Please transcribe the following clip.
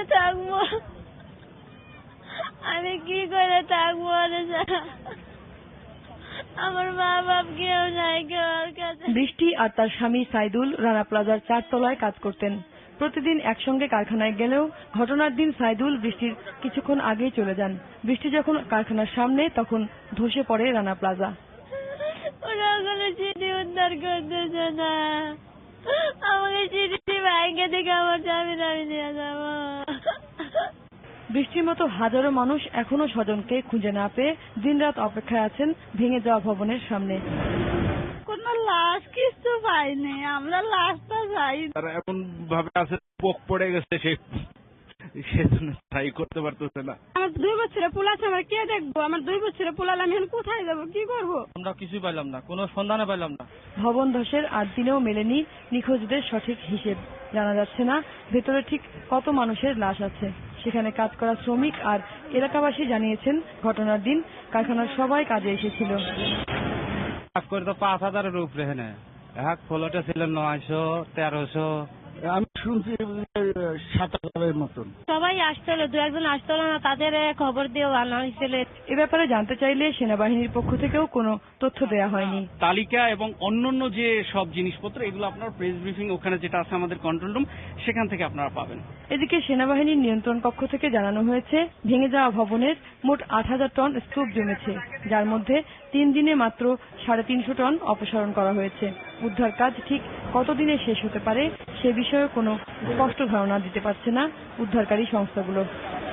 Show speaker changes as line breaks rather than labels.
থাকবো, আমি কি করে থাকবো? আমার মা বাপ কেউ নাই, কেউ আর কাছে।
বৃষ্টি আর তার স্বামী সাইদুল রানা প্লাজার 4 তলায় কাজ করতেন। প্রতিদিন একসঙ্গে কারখানায় গেলেও ঘটনার দিন সাইদুল বৃষ্টির কিছুক্ষণ আগেই চলে যান। বৃষ্টি যখন কারখানার সামনে তখন ধসে পড়ে রানা প্লাজা।
ওরা ওখানে চিঠি উদ্ধার করতেছে না, আমাকে চিঠি ভাইকে দেখে আমার স্বামী আমি নিয়ে যাবো।
বৃষ্টির মতো হাজারো মানুষ এখনো স্বজনকে খুঁজে না পেয়ে দিনরাত অপেক্ষায় আছেন ভেঙে যাওয়া ভবনের সামনে।
কোনো লাশ কিছু পাইনি, আমরা লাশটা চাই।
তারা এমন ভাবে আছে পোক পড়ে গেছে, সেজন্য ট্রাই করতে পারতেছে না।
আমার 2 বছরের পোলা আছে, আমার কে দেখবো? আমার 2 বছরের পোলা, আমি এখন কোথায় যাবো, কি করবো?
আমরা কিছুই পাইলাম না, কোনো সন্ধানে পাইলাম না।
ভবন ধসের 8 দিনেও মেলেনি নিখোঁজদের সঠিক হিসেব। জানা যাচ্ছে না ভেতরে ঠিক কত মানুষের লাশ আছে। সেখানে কাজ করা শ্রমিক আর এলাকাবাসী জানিয়েছেন ঘটনার দিন কারখানার সবাই কাজে এসেছিল।
কাজ করে তো 5000-এর উপরে, হ্যাঁ ফলটা ছিল 900-1300।
আমি শুনছি 7000-এর মতন।
সবাই আসছিল, 2-1 আসছিল না, তাদের খবর দিয়ে আনা হয়েছিল।
এ ব্যাপারে জানতে চাইলে সেনাবাহিনীর পক্ষ থেকেও কোনো তথ্য দেয়া হয়নি।
তালিকা এবং অন্যান্য যে সব জিনিসপত্র এগুলো আপনার প্রেস ব্রিফিং ওখানে যেটা আছে আমাদের কন্ট্রোল রুম, সেখান থেকে আপনারা পাবেন।
এদিকে সেনাবাহিনীর নিয়ন্ত্রণ কক্ষ থেকে জানানো হয়েছে ভেঙে যাওয়া ভবনের মোট 8000 টন স্তূপ জমেছে, যার মধ্যে 3 দিনে মাত্র 350 টন অপসারণ করা হয়েছে। উদ্ধার কাজ ঠিক কতদিনে শেষ হতে পারে সে বিষয়ে কোনো স্পষ্ট ধারণা দিতে পারছে না উদ্ধারকারী সংস্থাগুলো।